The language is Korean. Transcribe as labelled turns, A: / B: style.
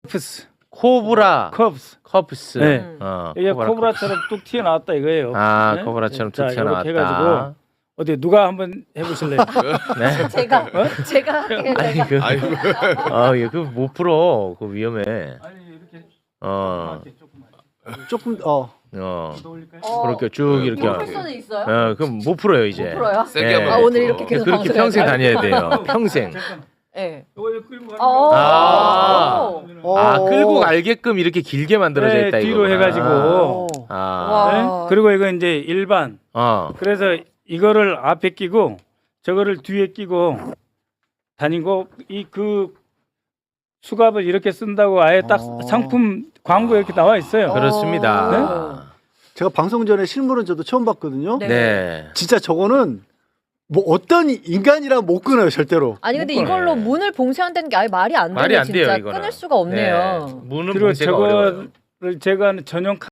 A: 컵스.
B: 코브라
A: 컵스.
B: 커프스.
A: 네. 이게
B: 코브라
A: 코브라처럼 뚝 튀어나왔다 이거예요.
B: 아,
A: 네?
B: 코브라처럼
A: 자,
B: 툭 튀어나왔다.
A: 이렇게 해가지고 어디 누가 한번 해보실래요?
B: 네.
C: 제가 할게요.
B: 아니
C: 제가.
B: 이거 못 풀어. 그거 위험해.
A: 아니 이렇게
D: 조금
B: 그렇게 쭉 이렇게.
C: 프로페서는 있어요?
B: 그럼 못 풀어요 이제.
C: 못 풀어요?
E: 세게
B: 네.
E: 하면
C: 아
E: 못
C: 오늘
E: 풀어.
C: 이렇게 계속
B: 그렇게
C: 방송해야
B: 평생
C: 돼요?
B: 다녀야 돼요. 평생.
C: 네.
A: 이거 끌고 가는
C: 어.
A: 거.
B: 아 끌고 갈게끔 이렇게 길게 만들어져
A: 네,
B: 있다
A: 뒤로
B: 이거구나.
A: 해가지고.
B: 아.
C: 와.
A: 네? 그리고 이거 이제 일반. 그래서 이거를 앞에 끼고 저거를 뒤에 끼고 다니고 이 그 수갑을 이렇게 쓴다고 아예 딱 상품 광고에 이렇게 나와 있어요.
B: 그렇습니다.
D: 제가 방송 전에 실물은 저도 처음 봤거든요.
C: 네.
B: 네.
D: 진짜 저거는 뭐 어떤 인간이랑 못 끊어요 절대로.
C: 아니 근데
B: 못
C: 이걸로
B: 끊어요.
C: 문을 봉쇄한다는 게 아예 말이 안
B: 말이
C: 되네
B: 안 돼요,
C: 진짜.
B: 이거는.
C: 끊을 수가 없네요.
B: 문은
A: 그리고
B: 봉쇄가 어려워요.
A: 저거를 제가 하는 전용